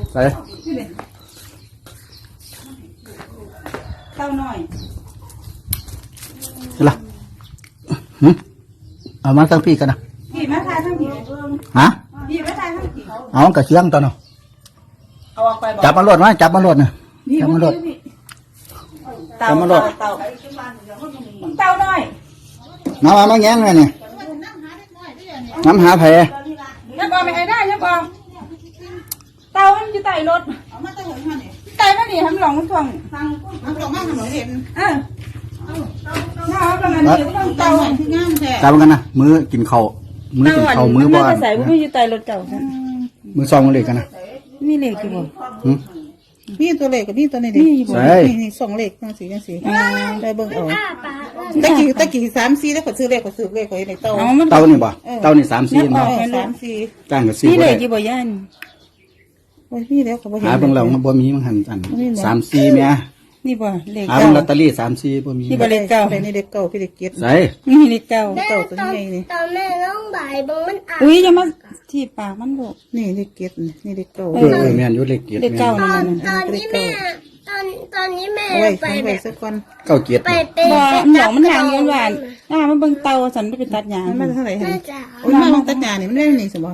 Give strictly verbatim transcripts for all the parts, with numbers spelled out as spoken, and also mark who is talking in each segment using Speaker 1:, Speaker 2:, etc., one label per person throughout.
Speaker 1: ใส่
Speaker 2: เต้าหน่อย
Speaker 1: เห็นละเอามาตั้งพี่กันนะ
Speaker 2: พี่มาทายทั้งพี่
Speaker 1: ฮะ
Speaker 2: พี่มาทายทั้งพี่
Speaker 1: เอากระเชียงตอนเนาะ
Speaker 2: เอาออกไปบอก
Speaker 1: จับมาโหลดมาจับมาโหลดนะจับมาโหลด
Speaker 2: เต้าเต้าเต้าเต้าหน่อย
Speaker 1: มามามาแง้งเลยเนี่ยน้ำหาแผล
Speaker 2: ยังบอกไม่ได้ยังบอกเต้ามันอยู่ใต้รถเอามาใต้หัวมันนี่ใต้มันนี่ทำหลงมันถ่วงทางมันถ่วงมากถนนเห็นเออน้าเอาประมาณนี้ต้องเต้าที่งามแท้
Speaker 1: จับกันนะมือกินข้าวมือกินข้าวมือบ่
Speaker 2: ใส่มืออยู่ใต้รถเก่า
Speaker 1: มือซองเลยกันนะ
Speaker 2: มีเหล็กกี่บ่
Speaker 3: นี่ตัวเล็กกับนี่ตัวนี้ดินี่สองเล็กจังสีจังสีได้เบิ่งเอาตะกี้ตะกี้สามสี่แล้วก็ซื้อเล็กก็ซื้อเล็กก็ในเต้า
Speaker 1: เต้านี่บ่เต้านี่สามสี่เนาะ
Speaker 3: สามสี่
Speaker 1: จ้างกับสี่
Speaker 2: นี่เหล็กกี่บ่ย่าน
Speaker 3: โอ้ยนี่แล้วก็บ่เห็น
Speaker 1: หาเบิ่งแล้วมันบ่มีมันหันกันสามสี่แม่
Speaker 2: นี่บ่เหล็ก
Speaker 1: หาเบิ่งลอตเตอรี่สามสี่บ่มี
Speaker 2: นี่บ่เหล็กเก่า
Speaker 3: นี่เล็กเก่าพี่เล็กเก็บ
Speaker 1: ใส่
Speaker 2: นี่เหล็กเก่า
Speaker 3: เก่าตัวนี้นี่
Speaker 4: ตอนแม่ร้องบ่ายบงมันอ่ะ
Speaker 2: อุ้ยอย่ามาที่ปากมันลูก
Speaker 3: นี่เล็กเก็บนี่เล็กเก่า
Speaker 1: เออแม่นอยู่เล็กเกียรติ
Speaker 2: เหล็กเก่า
Speaker 4: ตอ
Speaker 2: นั่น
Speaker 4: ตอนนี้แม่ตอนตอนนี้แม่ไป
Speaker 3: ไป
Speaker 4: แบบ
Speaker 3: สักคน
Speaker 1: เก้าเกียรติ
Speaker 4: ไปเป็น
Speaker 2: บ่หนองมันห่างเงินหวานอ่ามันเบิ่งเตาสันไปตัดหญ้า
Speaker 3: มันมาเท่าไหร่ฮะ
Speaker 4: แม่จ๋า
Speaker 3: โอ้ยมันตัดหญ้านี่มันได้นี่สมบ่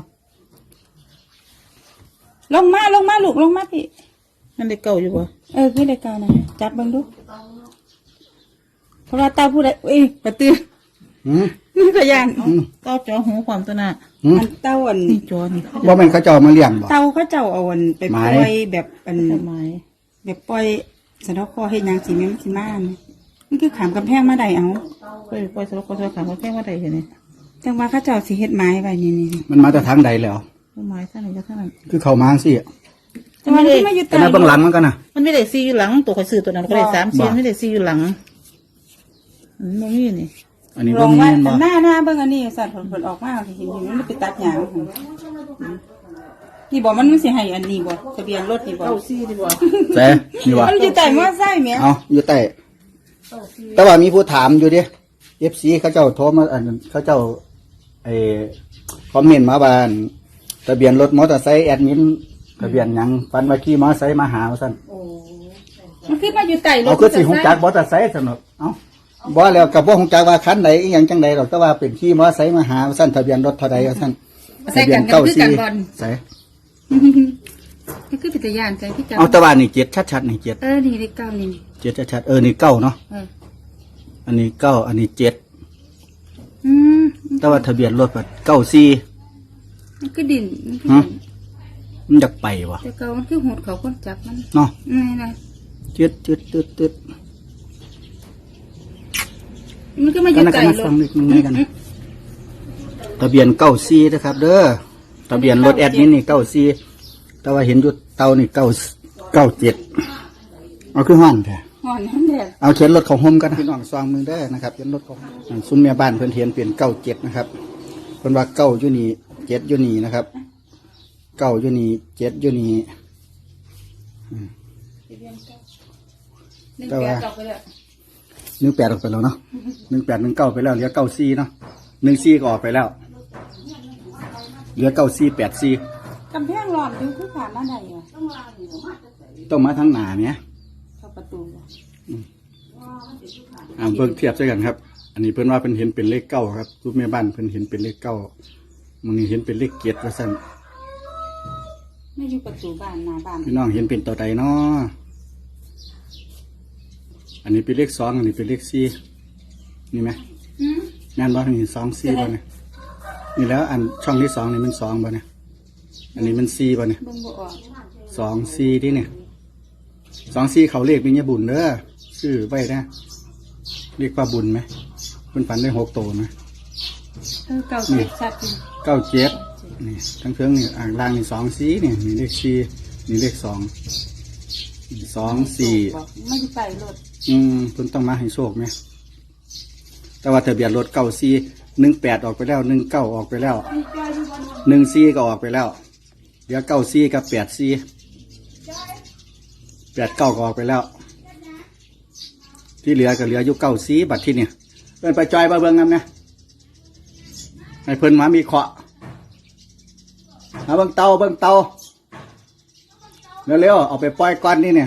Speaker 2: ลงมาลงมาลูกลงมาพี่
Speaker 3: มันเล็กเก่าอยู่บ่
Speaker 2: เออคือเหล็กเก่านะจับเบิ่งดูเพราะว่าเตาผู้ใดเอ้ยกระตือ
Speaker 1: หืม
Speaker 2: นี่ก็ย่าน
Speaker 3: เต้าจอหูความตัวน่ะ
Speaker 2: มันเต้าอัน
Speaker 3: นี่จอนี่
Speaker 1: บ่แม่นเขาเจ้ามาเลี้ยงบ่
Speaker 2: เต้าเขาเจ้าเอาอันไปปล่อยแบบอัน
Speaker 3: ไม้
Speaker 2: แบบปล่อยสะดอกคอเฮ็ดหยังสิแม่มันสิมานี่มันคือขามกำแพงมาได้เอา
Speaker 3: ไปปล่อยสลักก็สลักขามแค่ว่าใดเห็นนี่
Speaker 2: จังว่าเขาเจ้าสิเฮ็ดไม้ไว้นี่ๆ
Speaker 1: มันมาแต่ทางใดแล้ว
Speaker 3: ไม้ท่านไหนก็ท่านนั้น
Speaker 1: คือเข้ามาสิ
Speaker 2: จังว่าที่มาอยู่
Speaker 1: แต่ในเบื้องหลังมันกันน่ะ
Speaker 3: มันไม่ได้ซีอยู่หลังตัวข่อยซื้อตัวนั้นก็ได้สามซีไม่ได้ซีอยู่หลังมันบ่มีนี่
Speaker 1: อันนี้
Speaker 2: ล
Speaker 1: บ่
Speaker 2: ง
Speaker 1: มี
Speaker 2: ว่า
Speaker 1: บ่
Speaker 2: หน้าหน้าเบิ่งอันนี้สัตว์ผลออกมาสิเห็นอยู่มันไปตัดหญ้านี่บ่มันมันสิให้อันนี้บ่ทะเบียนรถนี่บ่
Speaker 3: เก้าซีดีกว่า
Speaker 1: แต่นี่ว่า
Speaker 2: มันอยู่ใต้มอไซค์แม่
Speaker 1: เอาอยู่ใต้แต่ว่ามีผู้ถามอยู่ดิ เอฟ ซี เขาเจ้าโทรมาอันเขาเจ้าไอ้คอมเมนต์มาบ้านทะเบียนรถมอเตอร์ไซค์แอดมินทะเบียนหยังฟันว่าขี่มอเตอร์ไซค์มาหาว่าซั่น
Speaker 2: มันคือมาอยู่ใต้รถ
Speaker 1: เอาคือสิฮู้จักมอเตอร์ไซค์ซั่นเนาะเอ้าบ่แล้วก็บ่ฮู้จักว่าคันใดอีหยังจังใดดอกแต่ว่าเป็นขี่มอเตอร์ไซค์มาหาว่าซั่นทะเบียนรถเท่าใดว่าซั่นทะเบียนเก้าสี่ใส่
Speaker 2: มันคือปิตยานใจพี่เจ้า
Speaker 1: เอาแต่ว่านี่เจ็ดชัดๆนี่เจ็ด
Speaker 2: เออนี่เลขเก้านี่
Speaker 1: เจ็ดชัดๆเออนี่เก้าเนาะอันนี้เก้าอันนี้เจ็ด
Speaker 2: อืม
Speaker 1: แต่ว่าทะเบียนรถแบบเก้าสี่
Speaker 2: มันคือดินมันคือ
Speaker 1: มันอยากไปวะ
Speaker 2: แต่เก้ามันคือหดเขาคนจับมัน
Speaker 1: เนาะ
Speaker 2: นี่นะ
Speaker 1: จืดจืดตืดตืด
Speaker 2: มันก็มาอยู่ใต้รถ
Speaker 1: ทะเบียนเก้าสี่นะครับเด้อทะเบียนรถแอดมินนี่เก้าสี่แต่ว่าเห็นอยู่เตานี่เก้าเก้าเจ็ดเอาคือห้อนแท้
Speaker 2: ห้อนนั่นแหละ
Speaker 1: เอาเขียนรถของโฮมกันพี่น้องซองมือได้นะครับเขียนรถของซุ้มเมียบ้านเพื่อนเทียนเปลี่ยนเก้าเจ็ดนะครับเพื่อนว่าเก้าอยู่นี่เจ็ดอยู่นี่นะครับเก้าอยู่นี่เจ็ดอยู่นี่แต่ว่าหนึ่งแปดออกไปแล้วเนาะหนึ่งแปดหนึ่งเก้าไปแล้วเหลือเก้าสี่เนาะหนึ่งสี่ก็ออกไปแล้วเหลือเก้าสี่แปดสี่
Speaker 2: กำแพงหลอดดูคือผ่านมาได้เหรอ
Speaker 1: ต้องมาทั้งหนาเนี่ย
Speaker 2: เข้าประตู
Speaker 1: อ่าเพิ่งเทียบใช่กันครับอันนี้เพิ่นว่าเพิ่นเห็นเป็นเลขเก้าครับรูปแม่บ้านเพิ่นเห็นเป็นเลขเก้ามันเห็นเป็นเลขเกียรติว่าสั่น
Speaker 2: ไม่อยู่ประตูบ้านหน้าบ้าน
Speaker 1: พี่น้องเห็นเป็นตัวใดเนาะอันนี้เป็นเลขสองอันนี้เป็นเลขสี่นี่ไหมงานบ้านนี่สองสี่บ่เนี่ยนี่แล้วอันช่องที่สองนี่มันสองบ่เนี่ยอันนี้มันสี่บ่เนี่ยสองสี่ที่เนี่ยสองสี่เขาเลขเป็นยาบุญเด้อชื่อไว้นะเรียกว่าบุญไหมมันฝันได้หกโตไหม
Speaker 2: เก้าเจ็ดชัด
Speaker 1: เก้าเจ็ดนี่ทั้งเครื่องนี่อ่างล่างนี่สองสี่นี่นี่เลขสี่นี่เลขสองสองสี่
Speaker 2: ไม่ใส่รถ
Speaker 1: อืมคุณต้องมาให้โชคไหมแต่ว่าทะเบียนรถเก้าสี่หนึ่งแปดออกไปแล้วหนึ่งเก้าออกไปแล้วหนึ่งสี่ก็ออกไปแล้วเดี๋ยวเก้าสี่กับแปดสี่แปดเก้าก็ออกไปแล้วที่เหลือก็เหลืออยู่เก้าสี่บัตรที่เนี่ยเพิ่นไปจอยมาเบิ่งกันนะให้เพิ่นมามีเคาะมาเบิ่งเตาเบิ่งเตาเร็วๆเอาไปปล่อยก่อนนี่เนี่ย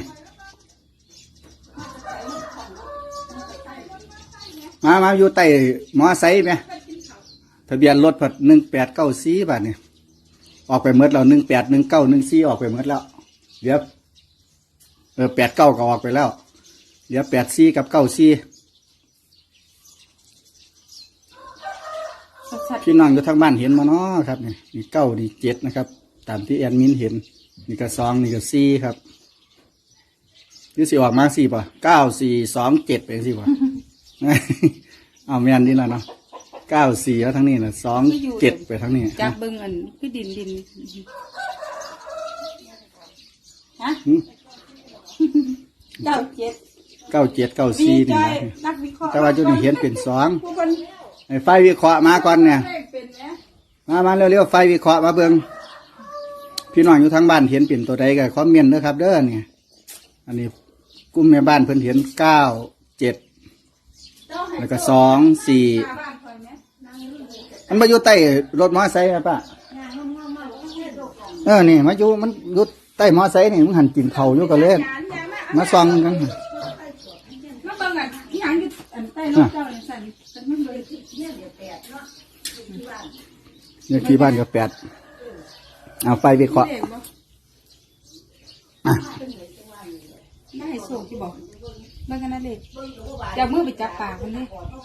Speaker 1: มามาอยู่ใต้มอไซค์ไหมทะเบียนรถผัดหนึ่งแปดเก้าสี่บาทเนี่ยออกไปเมื่อเราหนึ่งแปดหนึ่งเก้าหนึ่งสี่ออกไปเมื่อแล้วเดี๋ยวเออแปดเก้าก็ออกไปแล้วเดี๋ยวแปดสี่กับเก้าสี่พี่น้องอยู่ทางบ้านเห็นมาเนาะครับนี่นี่เก้านี่เจ็ดนะครับตามที่แอดมินเห็นนี่ก็สองนี่ก็สี่ครับนี่สิออกมาสี่ป่ะเก้าสี่สองเจ็ดเป็นสี่ป่ะ เอาแม่นนี่แล้วเนาะเก้าสี่แล้วทั้งนี้นะสองเจ็ดไปทั้งนี้
Speaker 2: จับเบิ่งอันคือดินดินฮะ
Speaker 1: หืม
Speaker 2: เก้าเจ็ด
Speaker 1: เก้าเจ็ดเก้าสี่นี่นะ
Speaker 2: นักวิเคราะห์
Speaker 1: แต่ว่าจุดนี้เห็นเป็นสอง
Speaker 2: ผู้คน
Speaker 1: ไอ้ไฟวิเคราะห์มาก่อนเนี่ย
Speaker 2: เลขเป็นนะ
Speaker 1: มามาเร็วๆไฟวิเคราะห์มาเบิ่งพี่น้องอยู่ทางบ้านเห็นเป็นตัวใดก็คอมเมนต์นะครับเด้อเนี่ยอันนี้กลุ่มแม่บ้านเพิ่นเห็นเก้าเจ็ดแล้วก็สองสี่
Speaker 2: หน้าบ้านคอยไหม
Speaker 1: มันมาอยู่ใต้รถมอไซค์อะป้าเออนี่มาอยู่มันอยู่ใต้มอไซค์นี่มันหันกินเผาวอยู่กับเล่นมาซองกัน
Speaker 2: มาเบิ่งอันอีหยังอยู่อันใต้รถเจ้าเนี่ยสั่นสั่นมันเลยเนี่ยเดี๋ยวแปดเนาะ
Speaker 1: เนี่ยที่บ้านก็แปดเอาไฟวิเคราะห์
Speaker 2: เลขบ่
Speaker 1: อ่ะ
Speaker 2: ได้ให้ส่งที่บอกเบิ่งกันนะเลขจะเอามือไปจับปากมันเลย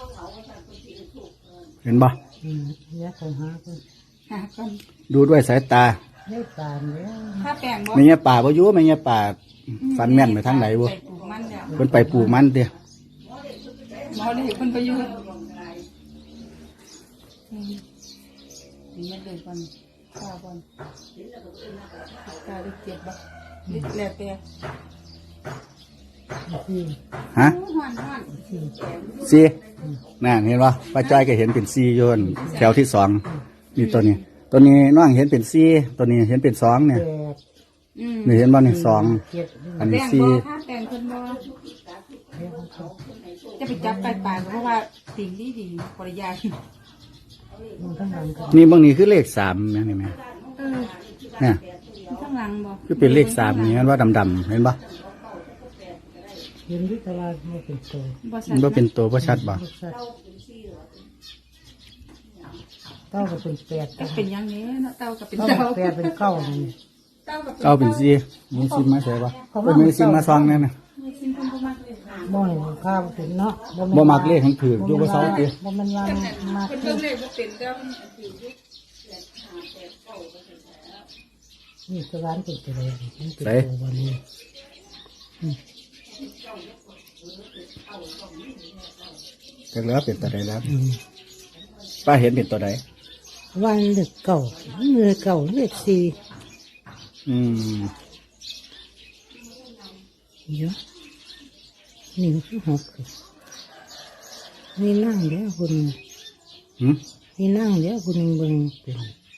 Speaker 1: เห็นบ่
Speaker 3: อืมเนี่ยเขาหาเพิ่น
Speaker 2: หาก่อน
Speaker 1: ดูด้วยสายตา
Speaker 3: ได้ตามแล้ว
Speaker 2: ถ้าแปลงบ่
Speaker 1: ไม่เงี้ยป่าบ่อยู่ไม่เงี้ยป่าฟันแม่นไปทางไหนบ่
Speaker 2: ใส่ปลูกมันแล้ว
Speaker 1: เพิ่นไปปลูกมันเด้อ
Speaker 2: หมอเลยคนประยุทธ์อืมนี่มันเลยก่อนข้าวก่อนกาได้เจ็บบ่ลิดแล้วแต่
Speaker 3: ที่
Speaker 1: ฮะ
Speaker 2: ฮ้อนฮ้อน
Speaker 1: สี่นั่นเห็นบ่ป้าจ้อยก็เห็นเป็นสี่โยนแถวที่สองนี่ตัวนี้ ตัวนี้น้องเห็นเป็นสี่ตัวนี้เห็นเป็นสองเนี่ย
Speaker 3: แปด
Speaker 2: อืม
Speaker 1: นี่เห็นบ่นี่สอง
Speaker 3: เจ็ด
Speaker 1: อัน
Speaker 2: แปล
Speaker 1: นี้
Speaker 2: ง
Speaker 1: สี่
Speaker 2: บ่ถ้าแปลงเพิ่นบ่จะไปจับไก่ป่าเพราะว่าสิ่งดีดีๆปริยาย
Speaker 3: มันทั้งหลังกัน
Speaker 1: นี่บางนี้คือเลขสามแม่นี่แม่
Speaker 2: เออ
Speaker 1: เนี่ย
Speaker 2: ข้างหลังบ่
Speaker 1: คือเป็นเลขสามนี่มันว่าดำๆเห็นบ่
Speaker 3: เห็นที่ตลาดไม่เป็นตัว
Speaker 2: บ่ชั
Speaker 1: มั
Speaker 2: ด
Speaker 1: นบ่เป็นตัวบ่ชัดบ่
Speaker 3: รสชาติเต้าก็เป็นแปด
Speaker 2: ก็เป็นอย่างนี้เนาะเต้าก็เป็น
Speaker 3: เต้า
Speaker 2: เต้า
Speaker 3: แปดเป็นเก้านี่
Speaker 2: เต้าก็เป็น
Speaker 1: เอาเป็นสี่มีซิมมาใส่บ่เป็นมีซิมมาซองแน่น่ะ
Speaker 2: มีสิ่งคนบ่มักเลยค่ะ
Speaker 3: บ่อยข้าวถึงเนาะ
Speaker 1: บ่มักเลขของถืออยู่บ่เซาติ
Speaker 3: บ่มันว่ามั
Speaker 2: เพิ่
Speaker 3: ก
Speaker 2: นเบิ่งเลขบ่เป็นเด้อมันถืออยู่
Speaker 3: นี่ตลาดเป็นตัวเลยมันเป็นตัววันนี้
Speaker 1: จักแล้วเป็นตัวใดแล้วป้าเห็นเป็นตัวใด
Speaker 3: วันเด็กเก่าเนื้อเก่าเลือดสี่
Speaker 1: อืม
Speaker 3: เยอะนี่คือหกนี่นั่งเดี๋ยวคุณ
Speaker 1: หึ
Speaker 3: นี่นั่งเดี๋ยวคุณเบิ่งเป็น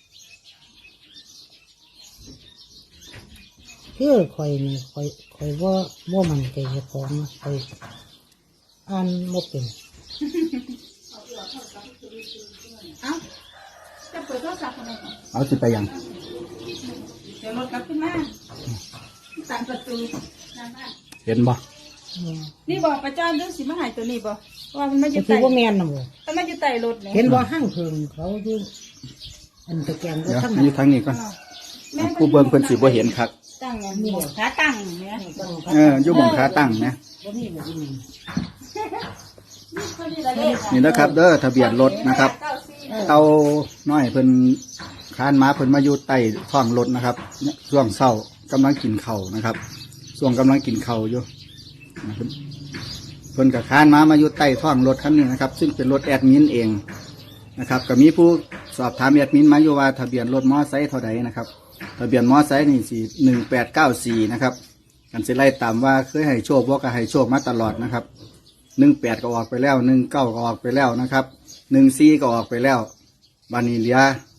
Speaker 3: เพื่อคอยนี่คอยคอยว่าว่ามันใจเจ้าของนะคอยอ่านบ่เป็น
Speaker 2: เอ้าจะเปิดโทรศัพท์ทำไมก่อน
Speaker 1: เอาสิไปยัง
Speaker 2: เดี๋ยวรถกลับขึ้นมาตามประตูหน้าบ้าน
Speaker 1: เห็นบ่
Speaker 2: นี่บอกประจานเรื่องสิมาหายตัวนี้บ่ว่ามันไม่อ
Speaker 3: จะ
Speaker 2: ยู่
Speaker 3: ถื
Speaker 2: ใต้
Speaker 3: อว่าแมนนะบ่
Speaker 2: มันไม่อยู่ใต้รถเนี่ย
Speaker 3: เห็นบ่ห้างเพิงเขาอยู่อันตะแกรงก็
Speaker 1: เดี๋ยว
Speaker 3: ทั้ง
Speaker 1: อยู่ทางนี้ก่อนผู้เบิ่งเพิ่นสิบ่เห็นคัก
Speaker 2: ตั้งไงนี่ขาตั้งเนี่ย
Speaker 1: เอออยู่บ่งขาตั้งนะ
Speaker 3: บ่มีบ่มี
Speaker 1: นี่นะครับเด้อทะเบียนรถนะครับ เตาน้อยเพิ่นคานมาเพิ่นมาอยู่ใต้ท้องรถนะครับเนี่ยช่วงเช้ากำลังกินข้าวนะครับช่วงกำลังกินข้าวอยู่นะเพิ่นเพิ่นกับคานมามาอยู่ใต้ท้องรถคันนี้นะครับ ซึ่งเป็นรถแอดมินเองนะครับก็มีผู้สอบถามแอดมินมาอยู่ว่าทะเบียนรถมอไซค์เท่าใดนะครับทะเบียนมอไซค์นี่สี่หนึ่งแปดเก้าสี่นะครับกันสิไล่ตามว่าเคยให้โชคบ่ก็ให้โชคมาตลอดนะครับหนึ่งแปดก็ออกไปแล้วหนึ่งเก้าก็ออกไปแล้วนะครับหนึ่งสี่ก็ออกไปแล้วบานีเหลีย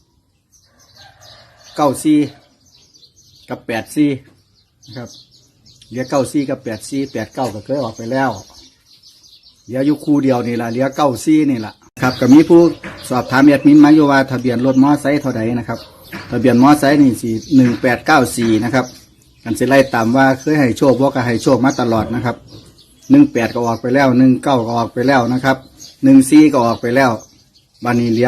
Speaker 1: เก้าสี่กับแปดสี่นะครับเหลียเก้าสี่กับแปดสี่แปดเก้าก็เคยออกไปแล้วเหลืออยู่คู่เดียวนี่แหละเหลือเก้าสี่นี่แหละครับก็มีผู้สอบถามแอดมินมาอยู่ว่าทะเบียนรถมอไซค์เท่าใดนะครับทะเบียนมอไซค์นี่สี่หนึ่งแปดเก้าสี่นะครับกันสิไล่ตามว่าเคยให้โชคว่าก็ให้โชคมาตลอดนะครับหนึ่งแปดก็ออกไปแล้วหนึ่งเก้าก็ออกไปแล้วนะครับหนึ่งสี่ก็ออกไปแล้วบานีเหลีย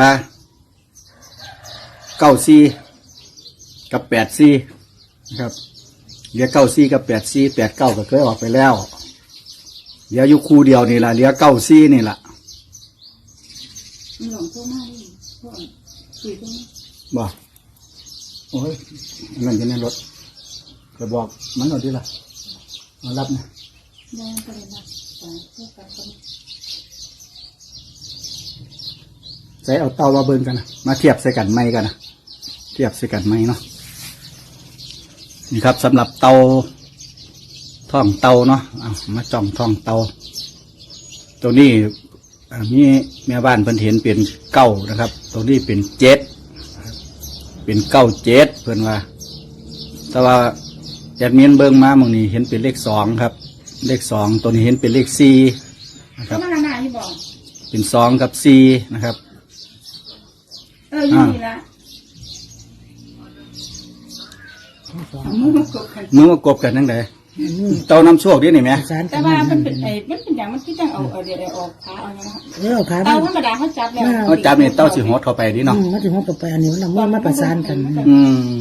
Speaker 1: เก้าสี่กับแปดสี่นะครับเหลือเก้าสี่กับแปดสี่แปดเก้าก็เคยออกไปแล้วเหลืออยู่คู่เดียวนี่แหละเหลือเก้าสี่นี่แหละ
Speaker 2: มันหลงโทรมาดิพ่อคุยโทรมา
Speaker 1: บ่โอ้ยอันนั่นอยู่ในรถจะบอกมันเอาดีล่ะมารับนะ
Speaker 2: แม่ก็เลยมาสายเพื่อการคน
Speaker 1: ใส่เอาเตามาเบิ่งกันนะมาเทียบใส่กันไม้กันนะเทียบใส่กันไม้เนาะนี่ครับสำหรับเตาท่องเตาเนาะเอามาจ้องท่องเตาตัวนี้อ่ามีแม่บ้านเพิ่นเห็นเป็นเก้านะครับตัวนี้เป็นเจ็ดเป็นเก้าเจ็ดเพิ่นว่า แต่ว่าแอดมินเบิ่งมาหมองนี้เห็นเป็นเลขสองครับ เลขสองตัวนี้เห็นเป็นเลขสี่นะครับ
Speaker 2: มาหน้าที่บอก
Speaker 1: เป็นสองกับสี่นะครับ
Speaker 2: เอออยู่นี่ละเอามือมากดกัน
Speaker 1: มือมากบกันนั่งไดเต้าน้ำโชคดินี่ไหม
Speaker 3: สาร
Speaker 2: แต่ว่ามันเป็นไอ้มันเป็นอย่างมันที่จังเอาเอาเดี๋ยวเอาออกขาเอาเนี่ย
Speaker 3: เออขา
Speaker 2: เตาธรรมดาเขาจับแล้ว
Speaker 1: เขาจับนี่เต้าสิหดเข้าไปดิเนาะ
Speaker 3: มาถึงห้องต่อไปอันนี้มันเอามือมาประสานกัน
Speaker 1: อืม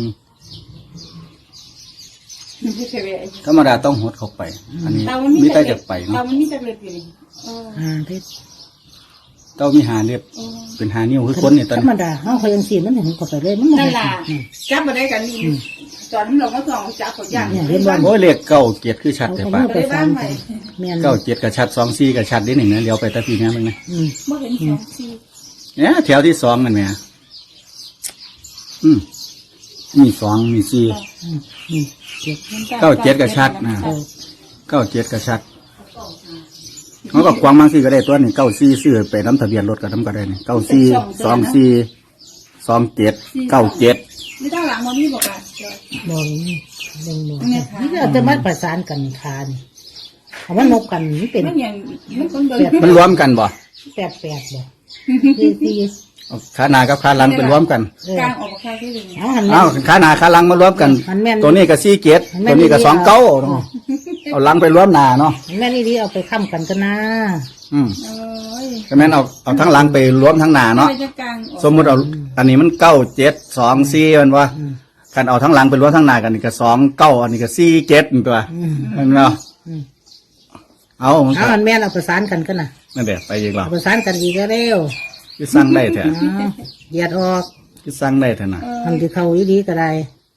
Speaker 2: มันไม่เคยไปไอ้
Speaker 1: ธรรมดาต้องหดเข้าไป อันนี้
Speaker 2: เตามันมี
Speaker 1: มี
Speaker 2: แต่
Speaker 1: แต่
Speaker 2: เล็
Speaker 1: จะ
Speaker 2: บ
Speaker 1: ไป
Speaker 2: เตา
Speaker 1: เนาะ
Speaker 2: มันมีแต่เล็บอยู่นี่เออ
Speaker 3: อ่าเพชร
Speaker 1: เต้ามีหาเรียบ
Speaker 2: เออ
Speaker 1: เป็นหานิ้วคือคนนี่ตอน
Speaker 3: ธร
Speaker 1: นี้
Speaker 3: รมดาเฮาเคยยังสีมันเห็นก็ไปเลยมัน
Speaker 2: นั่นล่ะจับมาได้กันนี่ตอนนั้นเราก็สองจับเขาย่าง
Speaker 1: โอ้ยเลขเก้าเกียรติคือชัดแต่
Speaker 3: เอา
Speaker 1: ปะ
Speaker 3: มือประสานกันแม่น
Speaker 1: เก้าเจ็ดกับชัดสองสี่กับชัดนิดหนึ่งนะเลี้ยวไปตะพีนี้มึงนะ
Speaker 3: อืม
Speaker 2: เมื่อเห็นสองสี่
Speaker 1: เนี่ยแถวที่สองมันเนี่ยอืมมีสองมีสี่
Speaker 3: อืมอืมเจ็บ
Speaker 1: เก้าเจ็ดกับชัดนะเก้าเจ็ดกับชัดเขาก็ควางบางสี่ก็ได้ตัวนี่เก้าสี่ซื้อไปน้ำทะเบียนรถกับน้ำก็ได้นี่เก้าสี่สองสี่สองเจ็ดเก้าเจ็ด
Speaker 2: ไม่ต้องหลังมันนี่บอกอ่ะ
Speaker 3: บ่นี่เบิ่งบ่นี่เอาแต่มาประสานกันคานเอามันนบกันมันเป็น
Speaker 2: มันอย่างมันคนเดิน
Speaker 1: มันรวมกันบ่
Speaker 3: แปดแปดบ่สี่สี่
Speaker 1: เอาขาหน้ากับขาหลังเป็นรวมกัน
Speaker 3: เออก
Speaker 2: ลางออกมาแค่ที่หนึ่ง
Speaker 3: เอาหัน
Speaker 1: เอาขาหน้าขาหลังมารวมกัน
Speaker 3: มันแม่น
Speaker 1: ตัวนี้ก็สี่เจ็ดตัวนี้ก็สองเก้าเนาะเอาหลังไปรวมหน้าเนาะ
Speaker 3: แม่นี่ดีเอาไปค้ำกันกันนะ
Speaker 1: อืม
Speaker 2: เอ้ย
Speaker 1: ก็แม่นเอาเอาทั้งหลังไปรวมทั้งหน้าเนาะ
Speaker 2: ไม่จะกลางออก
Speaker 1: สมมุติเอาอันนี้มันเก้าเจ็ดสองสี่มันว่าคันเอาทั้งหลังไปรวมทั้งหน้ากันนี่ก็สองเก้าอันนี้ก็สี่เจ็ดตัวเห็นไหมเนาะ
Speaker 3: อืม
Speaker 1: เอามัน
Speaker 3: เอาหันแม่นเอาประสานกันกันนะ
Speaker 1: นั่นเดี๋ยวไปอีกแล้ว
Speaker 3: เอาประสานกันอีกแล้วเร็ว
Speaker 1: คือสั่งได้แท้
Speaker 3: เอาเหยียดออก
Speaker 1: คือสั่งได้แท้นะ
Speaker 3: ทำที่เขาอีดีก็ได้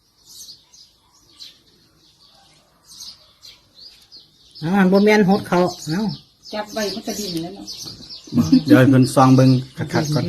Speaker 3: เอาหันบ่แม่นหดเขาเอา
Speaker 2: จับใบมันกระดิ่งแล้วเนาะ
Speaker 1: เดี๋ยวให้เพิ่นซองเบิ่งคักๆก่อน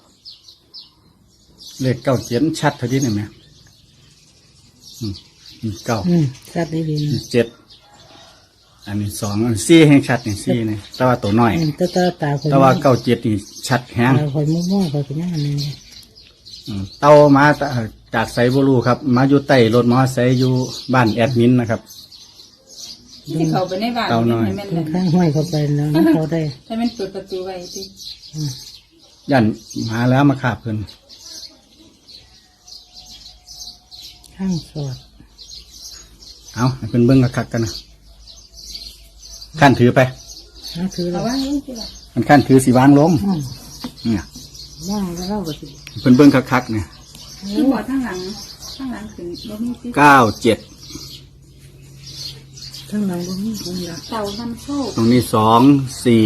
Speaker 1: เลขเก้าเจ็ดชัดเท่านี้นี่แหมอืมอืมเก้า
Speaker 3: อืมชัดดีดีนะ
Speaker 1: เจ็ดอันนี้สองอันสี่แห่งชัดนี่สี่นี่แต่ว่าตัวน้อย
Speaker 3: อืมแตาตาตาคอย
Speaker 1: แต่ว่าเก้าเจ็ดนี่ชัดแฮง
Speaker 3: ตาคอยมั่วๆคอยเป็นยังไงนี่
Speaker 1: อืมเต้ามาตะจากไซบูรูครับ มาอยู่ใต้รถมอไซค์อยู่บ้านแอดมินนะครับ
Speaker 2: ที่เขาไปในบ้าน
Speaker 1: เอาหน่อย
Speaker 2: ให้มัน
Speaker 3: ตรงข้างห้อยเข้าไปแล้วนะเขาได้
Speaker 2: ให้มันเปิดประตูไว้สิ
Speaker 1: ยันมาแล้วมาขาบเพิ่น
Speaker 3: ข้างสอด
Speaker 1: เอาให้เพิ่นเบิ่งคักๆกันนะขั้นถือไป
Speaker 3: นั่นคือ
Speaker 2: เอา
Speaker 3: เรา
Speaker 2: ไว้นี่สิล่ะ
Speaker 1: มันขั้นถือสีวางลง
Speaker 3: อืม
Speaker 1: เนี่ย
Speaker 3: ว่างแล้วเราก็สิ
Speaker 1: เพิ่นเบิ่งคักๆเนี่ย
Speaker 2: ที่หัวข้างหลังข้างหลังถึงบ่มีสิ
Speaker 1: เก้าเจ็ด
Speaker 3: ข้างหลังบ่มีคนละ
Speaker 2: เต่านำโชค
Speaker 1: ตรงนี้สองสี่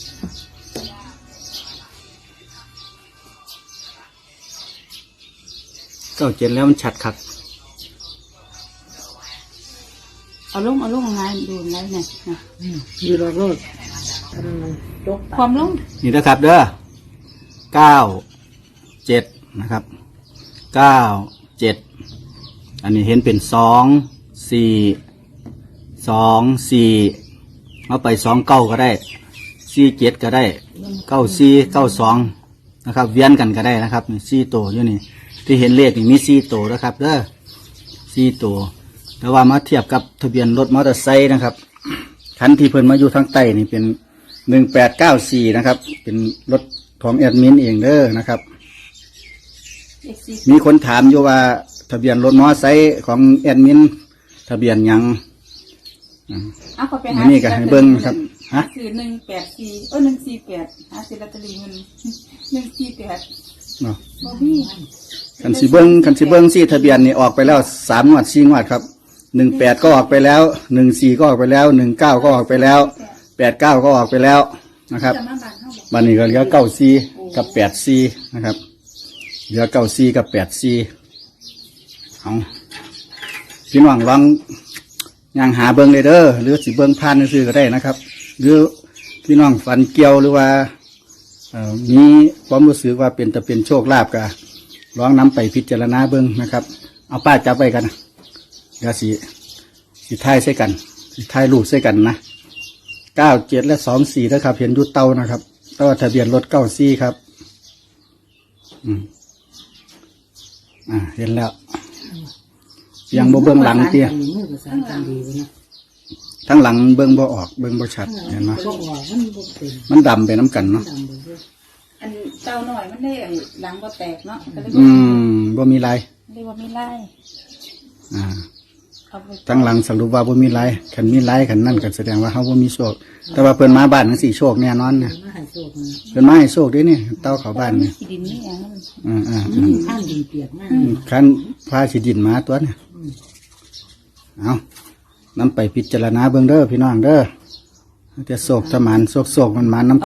Speaker 1: เก้าเจ็ดแล้วมันชัดคัก
Speaker 2: เอาลงเอาลงงานดูไงเนี่ยนะ
Speaker 3: อืมอยู่รอบรถอันนั้นจก
Speaker 2: ความลง
Speaker 1: นี่นะครับเด้อเก้าเจ็ดนะครับเก้าเจ็ดอันนี้เห็นเป็นสองสี่สองสี่เอาไปสองเก้าก็ได้สี่เจ็ดก็ได้เก้าสี่เก้าสองนะครับ เวียนกันก็ได้นะครับนี่สี่ตัวอยู่นี่ที่เห็นเลขนี่มีสี่ตัวนะครับเด้อสี่ตัวแต่ว่ามาเทียบกับทะเบียนรถมอเตอร์ไซค์นะครับคันที่เพิ่นมาอยู่ทางใต้นี่เป็นหนึ่งแปดเก้าสี่นะครับ เป็นรถของแอดมินเองเด้อนะครับ
Speaker 2: เอ็กซี่
Speaker 1: มีคนถามอยู่ว่าทะเบียนรถมอเตอร์ไซค์ของแอดมินทะเบียนหยังอ่า
Speaker 2: เอาเขาไปหา
Speaker 1: นี่ก็ให้เบิ่งครับฮะ
Speaker 2: คือหนึ่งแปดสี่เออหนึ่งสี่แปดหาซื้อลอตเตอรี่มันหนึ่งสี่แปด
Speaker 1: เนาะ
Speaker 2: บ่พี่
Speaker 1: คันสิเบิ้งคันสิเบิ้งซี่ทะเบียนนี่ออกไปแล้วสามงวดสี่งวดครับหนึ่งแปดก็ออกไปแล้วหนึ่งสี่ก็ออกไปแล้วหนึ่งเก้าก็ออกไปแล้วแปดเก้าก็ออกไปแล้วนะครับ
Speaker 2: จะมาบ้านเขาบอก
Speaker 1: บันนี้ก็เหลือเก้าสี่กับแปดสี่นะครับเหลือเก้าสี่กับแปดสี่เอาพี่น้องลองย่างหาเบิ้งเลยเด้อหรือสิเบิ้งผ่านซื้อก็ได้นะครับ หรือพี่น้องฝันเกี่ยวหรือว่าเอ่อมีความรู้สึกว่าเป็นจะเป็นโชคลาภกะลองนำไปพิจารณาเบิ้งนะครับ เอาป้าจับไปกันนะเดี๋ยวสิสิท้ายใส่กันสิท้ายรูปใส่กันนะเก้าเจ็ดและสองสี่นะครับเห็นอยุดเตานะครับเต้าทะเบียนรถเก้าสี่ครับ อืมอ่าเห็นแล้วยังบ่เบิ้งหลังเตี้ยทั้งหลังเบิ้งบ่ออกเบิ้งบ่ชัดเห็นไหมมันดำไปน้ำกันเนาะ
Speaker 2: อันเต้าหน่อยมันได้ไอ้หลังบ่แตกเนาะก็เลย
Speaker 1: อืมบ่มีลาย
Speaker 2: เรียกว่ามีไล่
Speaker 1: อ่า
Speaker 2: เอาไป
Speaker 1: ทั้งหลังสรุปว่าบ่มีลายขันมีลายขันนั่นก็แสดงว่าเฮาบ่มีโชคแต่ว่าเพิ่นมาบ้านจังซี่โชคแน่นอนเนี่ยเพิ่นมาให้โชคเด้นี่เต้าเข้าบ้านเนี่ย
Speaker 2: ขี้ดินนี่อย่างนั้น
Speaker 1: อ่าอ่าอืม
Speaker 3: ข้างดินเปียกมาก
Speaker 1: คันพาสิดินมาตัวเนี่ยเอานำไปพิจารณาเบิ่งเด้อพี่น้องเด้อจะโศกจะหมานโศกโศกมันหมานน้ำ